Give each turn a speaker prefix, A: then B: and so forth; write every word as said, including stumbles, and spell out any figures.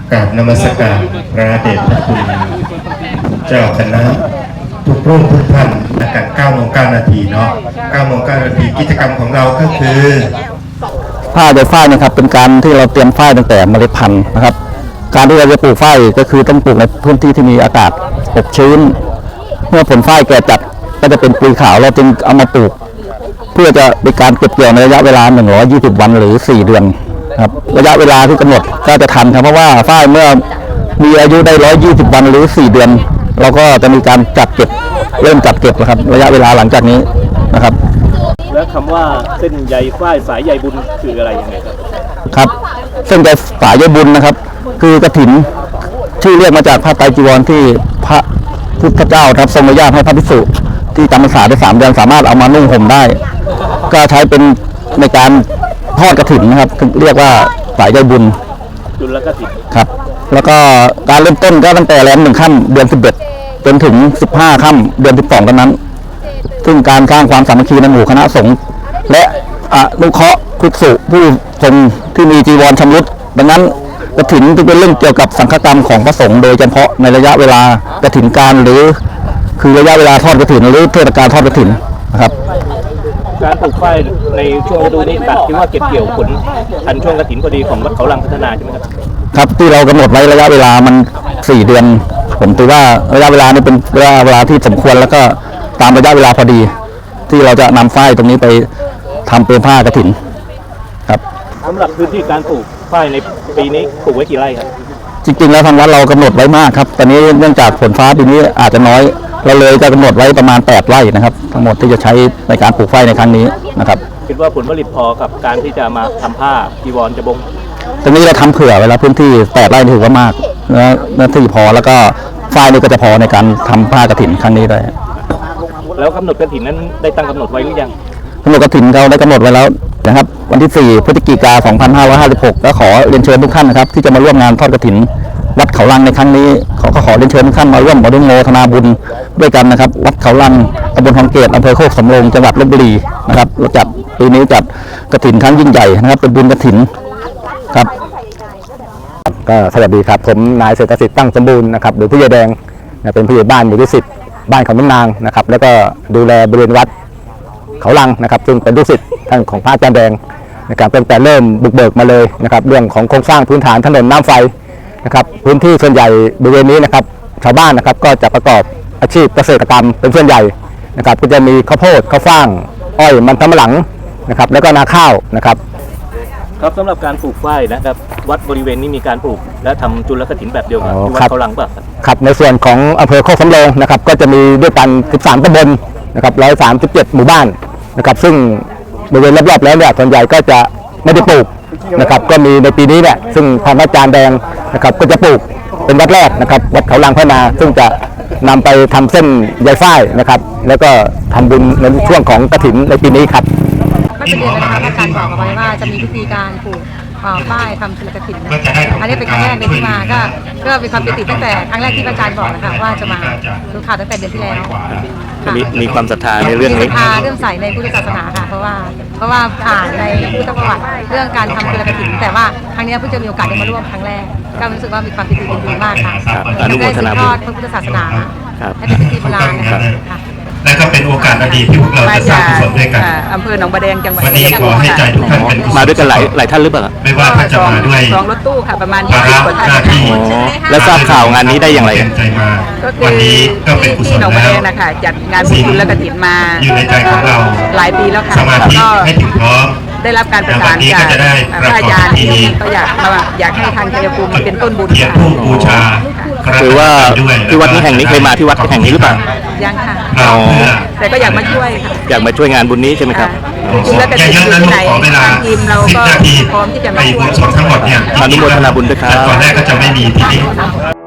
A: กราบนมัสการพระเดชพระคุณเจ้าคณะทุกรูปทุกท่านอากาศเก้าโมงเก้านาทีเนาะเก้าโมงเก้านาทีกิจกรรมของเราก็คือ
B: ฝ้ายโดยฝ้ายนะครับเป็นการที่เราเตรียมฝ้ายตั้งแต่เมล็ดพันธุ์นะครับการที่เราจะปลูกฝ้ายก็คือต้องปลูกในพื้นที่ที่มีอากาศอบชื้นเมื่อผลฝ้ายแก่จัดก็จะเป็นปุ๋ยขาวเราจึงเอามาปลูกเพื่อจะเป็นการเก็บเกี่ยวในระยะเวลาหนึ่งร้อยยี่สิบวันหรือสี่เดือนครับระยะเวลาที่กำหนดก็จะทันครับเพราะว่าฝ้ายเมื่อมีอายุได้หนึ่งร้อยยี่สิบวันหรือสี่เดือนเราก็จะมีการจัดเก็บเริ่มจัดเก็บนะครับระยะเวลาหลังจากนี้นะครับ
C: แล้วคำว่าเส้นใยฝ้ายสายใยบุญคืออะไรยังไงครับ
B: ครับเส้นใยสายใยบุญนะครับคือกฐินชื่อเรียกมาจากพระไตรจีวรที่พระพุทธเจ้าครับทรงอนุญาตให้พระภิกษุที่จำพรรษาได้สามเดือนสามารถเอามานุ่งห่มได้ก็ใช้เป็นในการทอดกฐินนะครับเรียกว่าสายใยบุญ
C: จุลกฐิน
B: ครับแล้วก็การเริ่มต้นก็ตั้งแต่แรมหนึ่งค่ำเดือนสิบเอ็ดจนถึงสิบห้าค่ำเดือนสิบสองตอนนั้นซึ่งการสร้างความสามัคคีในหมู่คณะสงฆ์และอนุเคราะห์ภิกษุผู้ทรงที่มีจีวรชำรุดดังนั้นกฐินจึงเป็นเรื่องเกี่ยวกับสังฆกรรมของพระสงฆ์โดยเฉพาะในระยะเวลากฐินการหรือคือระยะเวลาทอดกฐินหรือเทศกาลทอดกฐินนะครับ
C: การปลูกฝ้ายในช่วงฤดูนี้ตัดที่ว่าเก็บเกี่ยวผลทันช่วงกฐินพอดีของวัดเขาลังพัฒนาใช่ไหมครับ
B: ครับที่เรากำหนดไว้ระยะเวลามันสี่เดือนผมถือว่าระยะเวลานี้เป็นระยะเวลาที่สมควรแล้วก็ตามระยะเวลาพอดีที่เราจะนำฝ้ายตรงนี้ไปทำเป็นผ้ากฐินครับ
C: สำหรับพื้นที่การปลูกฝ้ายในปีนี้ปลูกไว้กี่ไร่ครับ
B: จริงๆแล้วทางวัดเรากำหนดไว้มากครับตอนนี้เนื่องจากฝนฟ้าปีนี้อาจจะน้อยเราเลยจะกำหนดไว้ประมาณแปดไร่นะครับทั้งหมดที่จะใช้ในการปลูกฝ้ายในครั้งนี้นะครับ
C: คิดว่าผลผลิตพอกับการที่จะมาทำผ้าจีวรจะบง
B: ตรงนี้เราทำเผื่อไว้แล้วพื้นที่แปดไร่ถือว่ามากนะพื้นที่พอแล้วก็ฝ้ายนี่ก็จะพอในการทำผ้ากฐินครั้งนี้ได้
C: แล้วกำหนดกฐินนั้นได้ตั้งกำหนดไว้หรือยัง
B: กำหนดกฐินเราได้กำหนดไว้แล้วนะครับวันที่สี่พฤศจิกายนสองพันห้าร้อยห้าสิบหกก็ขอเรียนเชิญทุกท่านนะครับที่จะมาร่วมงานทอดกฐินวัดเขาลังในครั้งนี้ขอก็ขอเรียนเชิญทุกท่านมาร่วมอนุโมทนาบุญด้วยกันนะครับวัดเขาลังตำบลทองเกตอำเภอโคกสำโรงจังหวัดลพบุรีนะครับเราจัดปีนี้จัดกฐินครั้งยิ่งใหญ่นะครับเป็นบุญกฐินครับก็สวัสดีครับผมนายเศรษฐศิษย์ตั้งสมบูรณ์นะครับหรือผู้ใหญ่แดงเป็นผู้ใหญ่บ้านหมู่ที่สิบบ้านของน้ำนางนะครับแล้วก็ดูแลบริเวณวัดเขาลังนะครับซึ่งเป็นลูกศิษย์ท่านของพระอาจารย์แดงนะครับตั้งแต่เริ่มบุกเบิกมาเลยนะครับเรื่องของโครงสร้างพื้นฐานถนนน้ำไฟนะครับพื้นที่ส่วนใหญ่บริเวณนี้นะครับชาวบ้านนะครับก็จะประกอบอาชีพเกษตรกรรมเป็นส่วนใหญ่นะครับก็จะมีข้าวโพดข้าวฟ่างอ้อยมันสำปะหลังนะครับแล้วก็นาข้าวนะครับ
C: ครับสำหรับการปลูกฝ้ายนะครับวัดบริเวณนี้มีการปลูกและทำจุลกฐินแบบเดียวกันที่วัดเขาลังป่ะ
B: ครับในส่วนของอำเภอโคกสำโรงนะครับก็จะมีด้วยกันสิบสามตำบลนะครับหนึ่งร้อยสามสิบเจ็ดหมู่บ้านนะครับซึ่งบริเวณรอบๆแล้วเนี่ยส่วนใหญ่ก็จะไม่ได้ปลูกนะครับก็มีในปีนี้เนี่ยซึ่งทางอาจารย์แดงนะครับก็จะปลูกเป็นวัดแรกนะครับวัดเขาลังพัฒนาซึ่งจะนำไปทำเส้นใยฝ้ายนะครับแล้วก็ทำบุญในช่วงของกฐินในปีนี้ครับ
D: ก็จะเรียนนะคะอาจารย์บอกเอาไว้ว่าจะมีวิธีการปลูกฝ้ายทำจุลกฐินอันนี้เป็นครั้งแรกในที่มาก็ก็มีความปิติตั้งแต่ครั้งแรกที่อาจารย์บอกนะคะว่าจะมาดูข่าวตั้งแต่เดือนที่แล้ว
C: มีมีความศรัทธาในเรื่องนี้
D: ศรัทธาเรื่องใส่ในพุทธศาสนาค่ะเพราะว่าเพราะว่าอ่านในพุทธประวัติเรื่องการทำจุลกฐินแต่ว่าครั้งนี้เพิ่งจะมีโอกาสได้มาร่วมครั้งแรกก็รู้สึกว่ามีความปิติยินดีมากค่ะ
C: อนุโมทนา
D: บุญทอดพระพุทธศาสนาให้เป็นพิธีโบราณนะคะ
A: และก็เป็นโอกาสดีที่พวกเราจะสร้างกุศลด้วยกัน
D: อำเภอหนองบัวแดงจังหวัด
A: วันนี้ขอให้ใจทุกท่านเป็น
C: มาด้วยกันหลายหลายท่านหรือเปล่า
A: ไม่ว่าท่านจะมาด้วย
D: สองรถตู้ค่ะประมาณยี่สิบกว่าท่าน
C: แล้วทราบข่าวงานนี้ได้อย่างไร
A: วันนี้ก็เป็นกุศลแล้ว
D: นะคะจัดงานบุญและกฐินมา
A: อยู่ในใจของเรา
D: หลายปีแล้วค่ะ
A: สมาธิให้ถึงพร้อม
D: ได้รับการประสานจากพระอาจารย์ก็อยากมาอยากให้ทางชัยภูมิมาเป็นต้นบุญค่ะ
A: บูชา
C: คือว่าที่วัดนี้แห่งนี้เคยมาที่วัดแห่งนี้หรือเปล่า
D: ยังค่ะแต่ก็อยากมาช่วยค่ะ
C: อยากมาช่วยงานบุญนี้ใช่ไหมครับ
D: แล้วก็ที่ไหนทางทีมเราก็พร้อมที่จะมาช่วย
A: ทั้งหมดเนี่ย
C: อนุโมทนาบุญด้วยครับ
A: ตอนแรกก็จะไม่มีที่นี่